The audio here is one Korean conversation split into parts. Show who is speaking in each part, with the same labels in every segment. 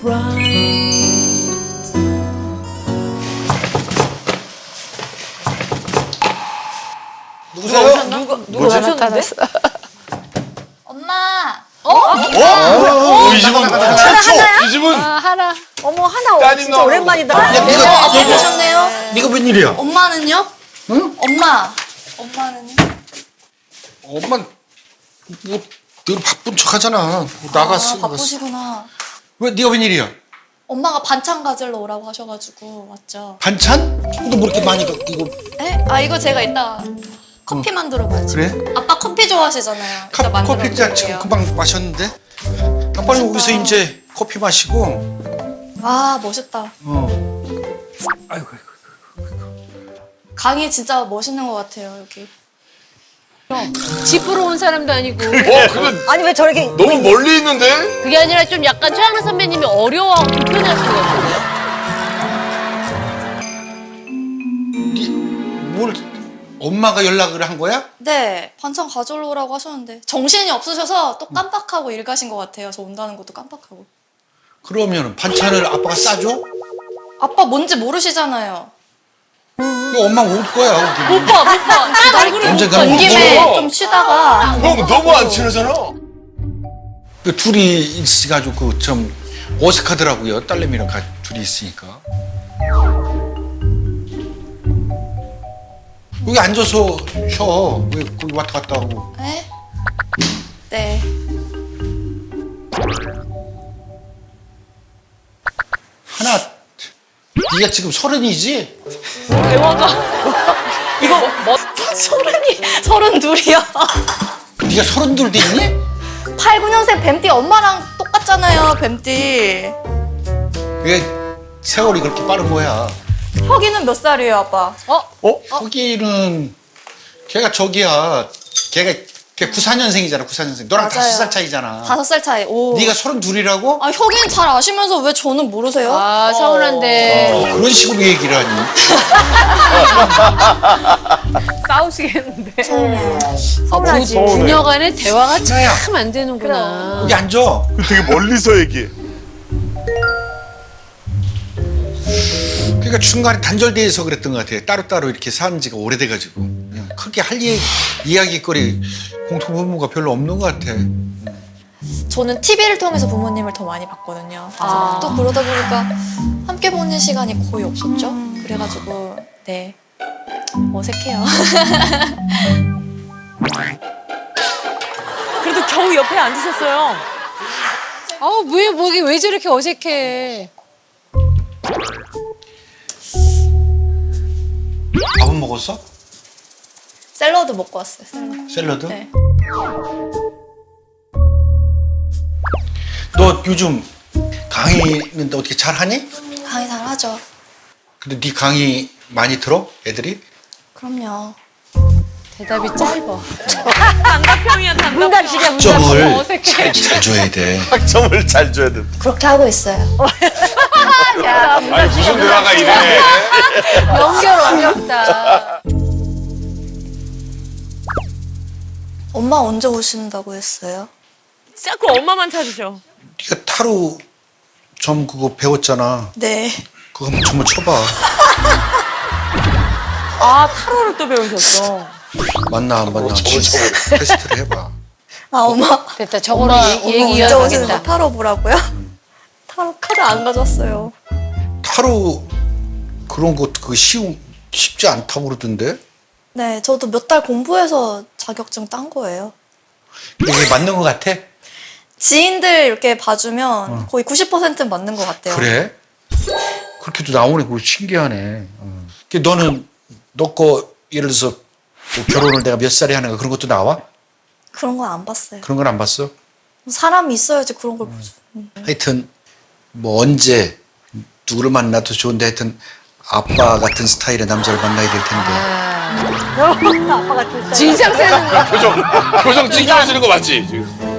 Speaker 1: 누구세요?
Speaker 2: 누가 나타났어?
Speaker 3: 엄마.
Speaker 1: 이 집은 최초. 이 집은
Speaker 2: 하나.
Speaker 4: 어머 하나
Speaker 1: 따님
Speaker 4: 진짜
Speaker 1: 나오고.
Speaker 4: 오랜만이다.
Speaker 1: 야, 네가
Speaker 3: 잘 계셨네요.
Speaker 1: 네가 웬일이야?
Speaker 3: 엄마는요?
Speaker 1: 응?
Speaker 3: 엄마는요?
Speaker 1: 엄마 늘 바쁜 척하잖아. 나갔어.
Speaker 3: 바쁘시구나.
Speaker 1: 왜 네가 웬일이야?
Speaker 3: 엄마가 반찬 가지러 오라고 하셔가지고 왔죠.
Speaker 1: 반찬? 너 뭐 이렇게 많이 이거
Speaker 3: 에? 이거 제가 이따 커피 만들어 봐야지.
Speaker 1: 그래?
Speaker 3: 아빠 커피 좋아하시잖아요. 이따 만들어
Speaker 1: 커피 짠 지금
Speaker 3: 볼게요.
Speaker 1: 금방 마셨는데. 아, 빨리 여기서 이제 커피 마시고.
Speaker 3: 와 멋있다.
Speaker 1: 아이고.
Speaker 3: 강이 진짜 멋있는 것 같아요 여기.
Speaker 2: 집 보러 온 사람도 아니고.
Speaker 5: 근데
Speaker 4: 아니 왜 저렇게
Speaker 5: 너무 멀리 있는데?
Speaker 2: 그게 아니라 좀 약간 최양락 선배님이 어려워하고 불편해하시는 것 같은데요?
Speaker 1: 뭘 엄마가 연락을 한 거야?
Speaker 3: 네 반찬 가져러 오라고 하셨는데 정신이 없으셔서 또 깜빡하고 일 가신 것 같아요. 저 온다는 것도 깜빡하고.
Speaker 1: 그러면 반찬을 아빠가 싸줘?
Speaker 3: 아빠 뭔지 모르시잖아요.
Speaker 1: 이거 엄마 올 거야. 여기.
Speaker 2: 못 봐. 얼굴을
Speaker 1: 언제
Speaker 2: 못 봐.
Speaker 1: 가는
Speaker 3: 온 김에
Speaker 5: 무서워.
Speaker 3: 좀 쉬다가
Speaker 5: 형 너무 안 친하잖아.
Speaker 1: 그 둘이 있어가지고 그 좀 어색하더라고요. 딸내미랑 둘이 있으니까. 여기 앉아서 쉬어. 왜 거기 왔다 갔다 하고.
Speaker 3: 네? 네.
Speaker 1: 하나, 네가 지금 30이지?
Speaker 2: 대화가. 이거 뭐?
Speaker 3: 서른 둘이요.
Speaker 1: 네가 32도 있니?
Speaker 3: 8, 9년생 뱀띠 엄마랑 똑같잖아요, 뱀띠.
Speaker 1: 왜 세월이 그렇게 빠른 거야?
Speaker 3: 혁이는 몇 살이에요, 아빠?
Speaker 1: 거기는 걔가 저기야. 걔 94년생이잖아. 94년생. 너랑
Speaker 3: 맞아요.
Speaker 1: 5살 차이잖아.
Speaker 3: 5살 차이. 오.
Speaker 1: 네가 32이라고?
Speaker 3: 혁이는 잘 아시면서 왜 저는 모르세요?
Speaker 2: 아, 서운한데.
Speaker 1: 그런 식으로 얘기를 하니.
Speaker 2: 싸우시겠는데.
Speaker 3: 서운하지.
Speaker 2: 부녀간의 대화가
Speaker 1: 나야.
Speaker 2: 참 안 되는구나.
Speaker 1: 여기 앉아.
Speaker 5: 되게 멀리서 얘기해.
Speaker 1: 그러니까 중간에 단절돼서 그랬던 것 같아요. 따로따로 이렇게 산 지가 오래돼가지고. 그냥 크게 할 이야기거리 공통분모가 별로 없는 것 같아.
Speaker 3: 저는 TV를 통해서 부모님을 더 많이 봤거든요. 또 그러다 보니까 함께 보는 시간이 거의 없었죠. 그래가지고, 네. 어색해요.
Speaker 4: 그래도 겨우 옆에 앉으셨어요.
Speaker 2: 아우, 목이 왜 저렇게 어색해.
Speaker 1: 밥은 먹었어?
Speaker 3: 샐러드 먹고 왔어요, 샐러드.
Speaker 1: 샐러드?
Speaker 3: 네.
Speaker 1: 너 요즘 강의는 어떻게 잘하니?
Speaker 3: 강의 잘 하죠.
Speaker 1: 근데 네 강의 많이 들어? 애들이?
Speaker 3: 그럼요.
Speaker 2: 대답이 짧아.
Speaker 4: 문답식이야
Speaker 1: 점을
Speaker 2: 어색해.
Speaker 1: 잘 줘야 돼.
Speaker 5: 학점을 잘 줘야 돼.
Speaker 3: 그렇게 하고 있어요.
Speaker 5: 아니 무슨 대화가 이래?
Speaker 2: 연결 어렵다.
Speaker 3: 엄마 언제 오신다고 했어요?
Speaker 4: 자꾸 엄마만 찾으셔.
Speaker 1: 네가 타로 점 그거 배웠잖아.
Speaker 3: 네.
Speaker 1: 그거 한번 점을 쳐봐.
Speaker 4: 아 타로를 또 배우셨어.
Speaker 1: 맞나 안 맞나 테스트를 해봐.
Speaker 3: 엄마.
Speaker 2: 됐다. 저거로
Speaker 3: 엄마
Speaker 2: 얘기
Speaker 3: 언제 오시는데
Speaker 2: 이어가겠다.
Speaker 3: 타로 보라고요? 타로 카드 안 가졌어요.
Speaker 1: 타로 그런 거 그거 쉽지 않다고 그러던데?
Speaker 3: 네, 저도 몇 달 공부해서 자격증 딴 거예요.
Speaker 1: 이게 맞는 거 같아?
Speaker 3: 지인들 이렇게 봐주면 거의 90%는 맞는 것 같아요.
Speaker 1: 그래? 그렇게도 나오네. 그거 신기하네. 너는 너 거 예를 들어서 뭐 결혼을 내가 몇 살에 하는가 그런 것도 나와?
Speaker 3: 그런 건 안 봤어요.
Speaker 1: 그런 건 안 봤어?
Speaker 3: 사람이 있어야지 그런 걸 보죠.
Speaker 1: 하여튼 뭐 언제 누구를 만나도 좋은데 하여튼 아빠 같은 스타일의 남자를 만나야 될 텐데.
Speaker 4: 아빠 같은 스타일.
Speaker 2: 진상 세는 거.
Speaker 5: 표정 찡찡해지는 거 맞지? 지금?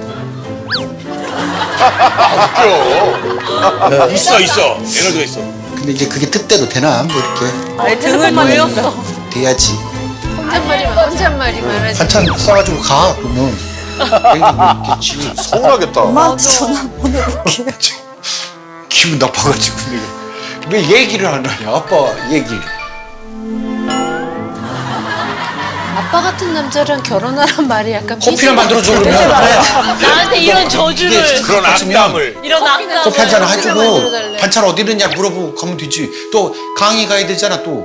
Speaker 5: 웃겨. 있어. 에너지가 있어.
Speaker 1: 근데 이제 그게 뜻대로 되나? 뭐 이렇게
Speaker 4: 내 등을 돌렸어.
Speaker 1: 돼야지.
Speaker 2: 혼잣말이만 하지.
Speaker 1: 반찬 싸가지고 가 그러면 내일 뭐 있겠지.
Speaker 5: 서운하겠다.
Speaker 3: 엄마한테 전화 보내볼게요.
Speaker 1: 기분 나빠가지고 내가 왜 얘기를 안 하냐 아빠 얘기.
Speaker 2: 아빠 같은 남자랑 결혼하란 말이 약간
Speaker 1: 커피를 만들어줘 그러면.
Speaker 2: 나한테 이런 저주를
Speaker 5: 그런 악담을.
Speaker 4: 이런 악담.
Speaker 1: 커피 한 잔 해주고
Speaker 2: 만들어달래.
Speaker 1: 반찬 어디 있느냐 물어보고 가면 되지. 또 강의 가야 되잖아 또.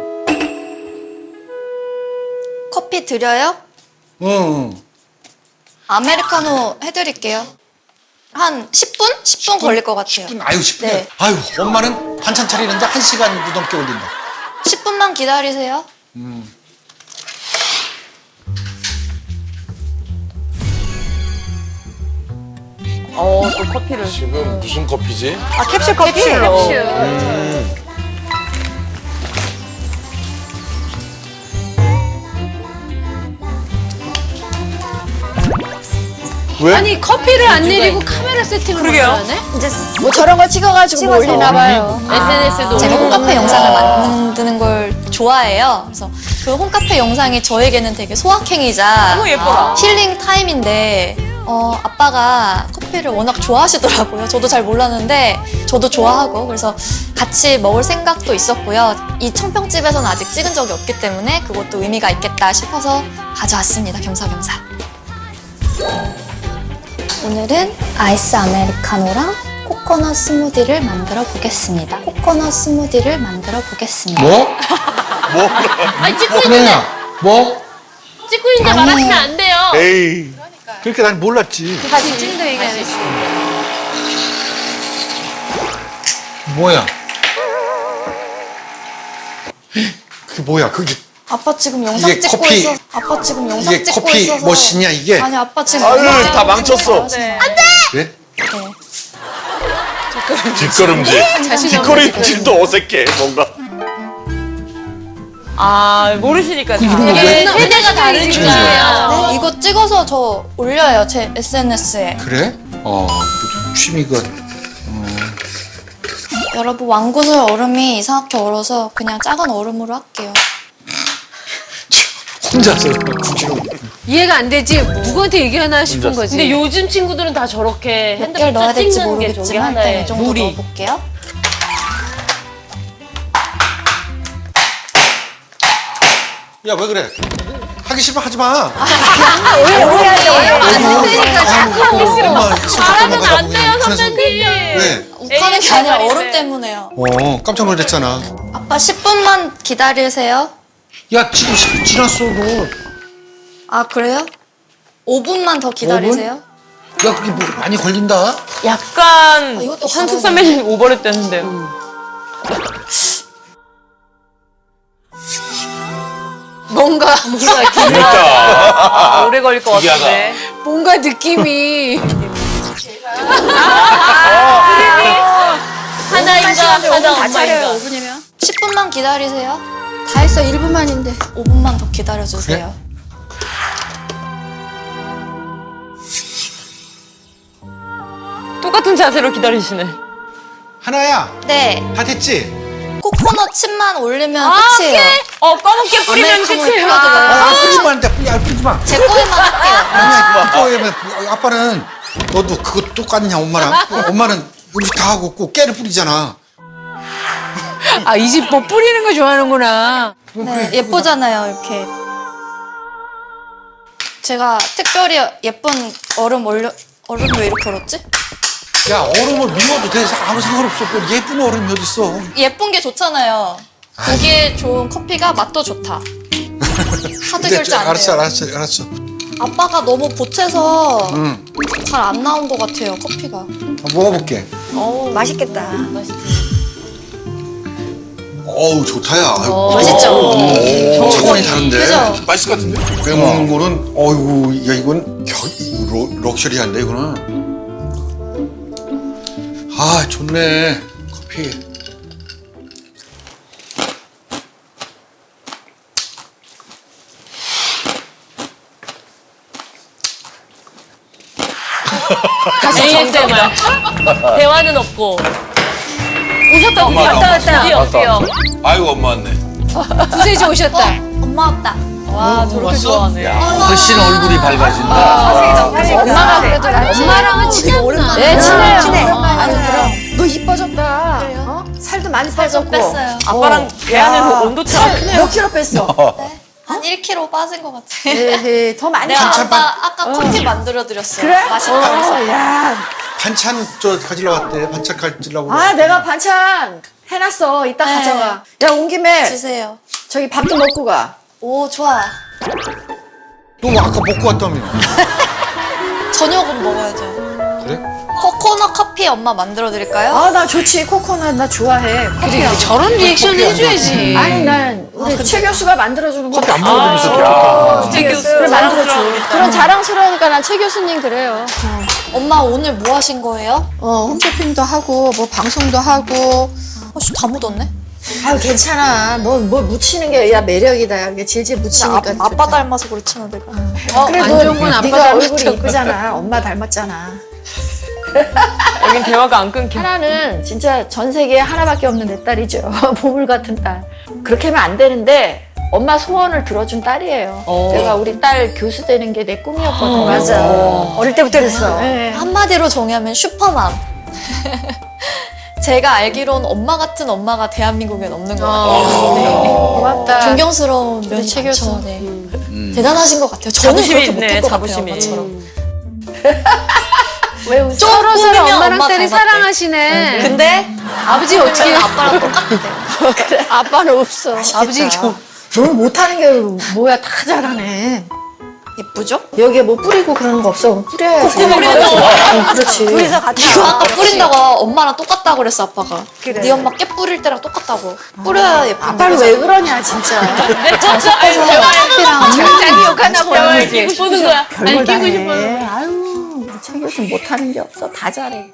Speaker 3: 커피 드려요?
Speaker 1: 응.
Speaker 3: 아메리카노 해드릴게요. 한 10분? 10분 걸릴 것 같아요.
Speaker 1: 10분? 아유 10분.
Speaker 3: 네.
Speaker 1: 아유 엄마는 반찬 차리는데 1시간도 넘게 걸린다.
Speaker 3: 10분만 기다리세요.
Speaker 4: 또 커피를.
Speaker 5: 지금 무슨 커피지?
Speaker 4: 아, 캡슐 커피? 캡슐로.
Speaker 5: 왜?
Speaker 2: 아니 커피를 안 내리고 카메라 세팅을
Speaker 4: 그러게요.
Speaker 2: 먼저 하네?
Speaker 3: 이제 뭐 저런 걸 찍어가지고 뭐 올리나 봐요.
Speaker 2: SNS도
Speaker 3: 제가 홈카페 영상을 만드는 걸 좋아해요. 그래서 그 홈카페 영상이 저에게는 되게 소확행이자
Speaker 4: 너무 예뻐라.
Speaker 3: 힐링 타임인데 아빠가 커피를 워낙 좋아하시더라고요. 저도 잘 몰랐는데 저도 좋아하고 그래서 같이 먹을 생각도 있었고요. 이 청평집에서는 아직 찍은 적이 없기 때문에 그것도 의미가 있겠다 싶어서 가져왔습니다. 겸사겸사. 오늘은 아이스 아메리카노랑 코코넛 스무디를 만들어 보겠습니다. 코코넛 스무디를 만들어 보겠습니다.
Speaker 1: 뭐?
Speaker 2: 아니 찍고 있는데
Speaker 1: 그래야 뭐?
Speaker 2: 찍고 있는데 말하시면 안 돼요.
Speaker 5: 에이.
Speaker 1: 그러니까 난 몰랐지.
Speaker 2: 다시 찍는다 얘기 안 했어.
Speaker 1: 뭐야? 그게 뭐야? 그게
Speaker 3: 아빠 지금 영상
Speaker 1: 이게
Speaker 3: 찍고
Speaker 1: 커피-
Speaker 3: 있어. 아빠 지금 영상
Speaker 1: 이게
Speaker 3: 찍고
Speaker 1: 커피
Speaker 3: 있어서.
Speaker 1: 머신이야 이게?
Speaker 3: 아니 아빠 지금
Speaker 5: 아유,
Speaker 3: 영상
Speaker 5: 다
Speaker 3: 찍고
Speaker 5: 망쳤어.
Speaker 3: 있어요.
Speaker 4: 네.
Speaker 1: 그래?
Speaker 5: 뒷걸음질. 뒷걸음질도 어색해 뭔가.
Speaker 4: 아, 모르시니까. 다.
Speaker 2: 이게 세대가 다르니까.
Speaker 3: 네, 이거 찍어서 저 올려요 제 SNS에.
Speaker 1: 그래? 취미가
Speaker 3: 여러분 왕구슬 얼음이 이상하게 얼어서 그냥 작은 얼음으로 할게요.
Speaker 1: 혼자서 굳이로.
Speaker 2: 이해가 안 되지. 누구한테 얘기하나 싶은 거지.
Speaker 4: 근데 요즘 친구들은 다 저렇게
Speaker 3: 몇 개를 넣어야
Speaker 4: 핸드폰
Speaker 3: 될지
Speaker 4: 찍는 게 저게
Speaker 3: 모르겠지만 일단
Speaker 4: 하나의
Speaker 3: 이 정도
Speaker 4: 놀이.
Speaker 3: 넣어볼게요.
Speaker 1: 야 왜 그래? 하기 싫으면 하지 마.
Speaker 2: 말하면 안 돼요 선배님.
Speaker 1: 왜?
Speaker 3: 욱하는 게 아니라
Speaker 4: 말인데.
Speaker 3: 얼음 때문에요.
Speaker 1: 깜짝 놀랐잖아.
Speaker 3: 아빠 10분만 기다리세요.
Speaker 1: 야 지금 10분 지났어 너.
Speaker 3: 아 그래요? 5분만 더 기다리세요.
Speaker 1: 야 그게 뭐 많이 걸린다.
Speaker 4: 약간
Speaker 3: 이것도
Speaker 4: 현숙
Speaker 3: 가능해.
Speaker 4: 선배님 오버랩 됐는데요.
Speaker 2: 뭔가
Speaker 5: 재밌다.
Speaker 4: 오래 걸릴 것 같은데.
Speaker 2: 뭔가 느낌이
Speaker 4: 하나인가 하나 엄마인가.
Speaker 3: 10분만 기다리세요. 다 했어 1분만인데 5분만 더 기다려주세요.
Speaker 4: 똑같은 자세로 기다리시네.
Speaker 1: 하나야
Speaker 3: 네,
Speaker 1: 다 됐지?
Speaker 3: 코코넛 칩만 올리면 끝이에요.
Speaker 4: 검은깨 뿌리면
Speaker 3: 아메리카노
Speaker 4: 끝이에요.
Speaker 3: 뿌려드려요.
Speaker 1: 뿌리지 마. 야 뿌리지 마.
Speaker 3: 제 거에만 할게요.
Speaker 1: 아니야 그거 아빠는 너도 그거 똑같냐 엄마랑? 엄마는 음식 다 하고 꼭 깨를 뿌리잖아.
Speaker 2: 아 이 집 뭐 뿌리는 거 좋아하는구나.
Speaker 3: 네, 예쁘잖아요 이렇게. 제가 특별히 예쁜 얼음 얼음 왜 이렇게 얼었지?
Speaker 1: 야 얼음을 미워도 돼. 아무 상관없어. 뭐 예쁜 얼음이 어딨어.
Speaker 3: 예쁜 게 좋잖아요. 보기에 좋은 커피가 맛도 좋다. 카드 결제 안 돼요.
Speaker 1: 알았어.
Speaker 3: 아빠가 너무 보채서
Speaker 1: 응.
Speaker 3: 잘 안 나온 것 같아요 커피가.
Speaker 1: 먹어볼게.
Speaker 3: 맛있겠다.
Speaker 1: 어우 좋다야.
Speaker 3: 맛있죠?
Speaker 1: 차원이 다른데.
Speaker 3: 그죠?
Speaker 5: 맛있을 것 같은데.
Speaker 1: 빼먹는 거는 어이구 야 이건 럭셔리한데 이거는. 아 좋네 커피.
Speaker 4: ASMR. 대화는 없고. 오셨다,
Speaker 5: 엄마,
Speaker 4: 왔다,
Speaker 5: 엄마.
Speaker 4: 왔다. 드디어.
Speaker 5: 아이고 엄마 왔네.
Speaker 2: 구세주 오셨다.
Speaker 3: 엄마 왔다.
Speaker 4: 와, 저렇게 좋아하네.
Speaker 5: 훨씬 얼굴이 밝아진다.
Speaker 3: 엄마가 그래도 낫지.
Speaker 2: 엄마랑은 친했나?
Speaker 3: 네, 친해요.
Speaker 2: 아유 그럼. 너 이뻐졌다.
Speaker 6: 많이
Speaker 3: 살 좀
Speaker 6: 빠졌고.
Speaker 3: 뺐어요.
Speaker 4: 아빠랑 대하는 그 온도차가 크네요.
Speaker 6: 몇 킬로 뺐어?
Speaker 3: 네? 한 1kg 빠진 것 같아.
Speaker 6: 에헤, 더 많이
Speaker 3: 내가
Speaker 6: 빠졌어.
Speaker 3: 아까 커피 만들어 드렸어요.
Speaker 6: 그래?
Speaker 3: 맛있다고 해서.
Speaker 6: 야.
Speaker 1: 반찬 저 가지러 왔대. 반찬 가지려고.
Speaker 6: 아, 내가 반찬 해놨어. 이따
Speaker 3: 네.
Speaker 6: 가져가. 야, 온 김에
Speaker 3: 주세요.
Speaker 6: 저기 밥도 먹고 가.
Speaker 3: 오, 좋아.
Speaker 1: 너 아까 먹고 왔다며.
Speaker 3: 저녁은 먹어야죠.
Speaker 1: 그래?
Speaker 3: 코코넛 커피 엄마 만들어 드릴까요?
Speaker 6: 아, 나 좋지. 코코넛 나 좋아해. 커피하고.
Speaker 4: 저런 리액션 해줘야지.
Speaker 6: 아니, 난 우리 최 교수가 만들어주는 거.
Speaker 1: 커피 안 먹으면서
Speaker 4: 최 교수.
Speaker 6: 그래, 만들어줘. 그런 자랑스러우니까 난 최 교수님 그래요.
Speaker 3: 엄마 오늘 뭐 하신 거예요?
Speaker 6: 홈쇼핑도 하고, 뭐 방송도 하고.
Speaker 3: 다 묻었네.
Speaker 6: 아유, 괜찮아. 뭐 묻히는 게 야 매력이다. 이게 질질 묻히니까.
Speaker 3: 아빠 닮아서 그렇지만 내가.
Speaker 6: 그래도
Speaker 4: 안 좋은 건 아빠
Speaker 6: 네가 얼굴이
Speaker 4: 닮았잖아.
Speaker 6: 이쁘잖아. 엄마 닮았잖아.
Speaker 4: 여긴 대화가 안 끊겨.
Speaker 6: 하나는 진짜 전 세계에 하나밖에 없는 내 딸이죠. 보물 같은 딸. 그렇게 하면 안 되는데 엄마 소원을 들어준 딸이에요. 내가 우리 딸 교수 되는 게 내 꿈이었거든. 맞아. 어릴 때부터 그랬어. 네.
Speaker 3: 한마디로 정의하면 슈퍼맘. 제가 알기로는 엄마 같은 엄마가 대한민국엔 없는 것 같아요.
Speaker 6: 고맙다.
Speaker 3: 존경스러운 면이
Speaker 6: 최
Speaker 3: 많죠.
Speaker 6: 교수.
Speaker 3: 네. 대단하신 것 같아요. 저는
Speaker 4: 자부심이
Speaker 3: 그렇게
Speaker 4: 있네,
Speaker 3: 못할 것 같아요,
Speaker 4: 자부심이.
Speaker 3: 엄마처럼.
Speaker 6: 왜 웃어?
Speaker 3: 서로
Speaker 4: 꾸미면
Speaker 3: 엄마랑
Speaker 4: 엄마
Speaker 3: 딸이
Speaker 4: 닮았대.
Speaker 3: 사랑하시네. 근데 아버지 어떻게 아빠랑 똑같대요.
Speaker 6: 그래. 아빠는 없어. 아버지 너는 못하는 게 뭐야. 다 잘하네.
Speaker 3: 예쁘죠?
Speaker 6: 여기에 뭐 뿌리고 그러는 거 없어. 뿌려야지. 그렇지. 둘이서 같이.
Speaker 3: 이거 아까 뿌린다고 엄마랑 똑같다고 그랬어 아빠가. 네 엄마 깨 뿌릴 때랑 똑같다고. 뿌려야 예쁜데.
Speaker 6: 아빠는 왜 그러냐 진짜.
Speaker 3: 커피랑
Speaker 6: 자기 욕하나 보네.
Speaker 4: 끼고 싶는 거야.
Speaker 6: 별걸 다
Speaker 4: 끼고
Speaker 6: 해.
Speaker 4: 싶어요.
Speaker 6: 아유, 우리 최 교수 못하는 게 없어. 다 잘해.